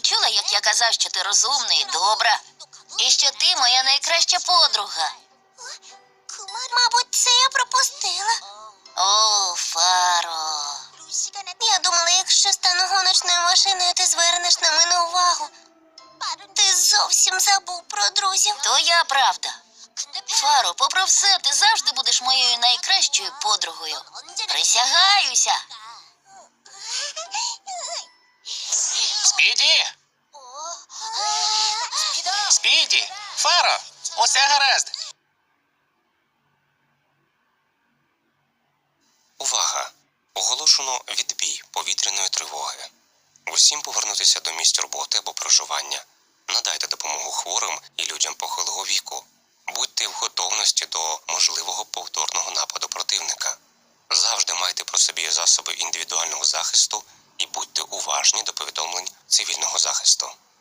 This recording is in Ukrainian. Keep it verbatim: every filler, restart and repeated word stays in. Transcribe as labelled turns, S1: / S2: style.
S1: чула, як я казав, що ти розумна і добра? І що ти моя найкраща подруга?
S2: Мабуть, це я пропустила.
S1: О, Фаро.
S2: Я думала, якщо стану гоночною машиною, ти звернеш на мене увагу. Ти зовсім забув про друзів.
S1: Твоя правда. Фаро, попри все, ти завжди будеш моєю найкращою подругою. Присягаюся.
S3: Спіді! Спіді! Фаро! Усе гаразд!
S4: Увага! Оголошено відбій повітряної тривоги. Усім повернутися до місць роботи або проживання. Надайте допомогу хворим і людям похилого віку. Будьте в готовності до можливого повторного нападу противника. Завжди майте при собі засоби індивідуального захисту і будьте уважні до повідомлень цивільного захисту.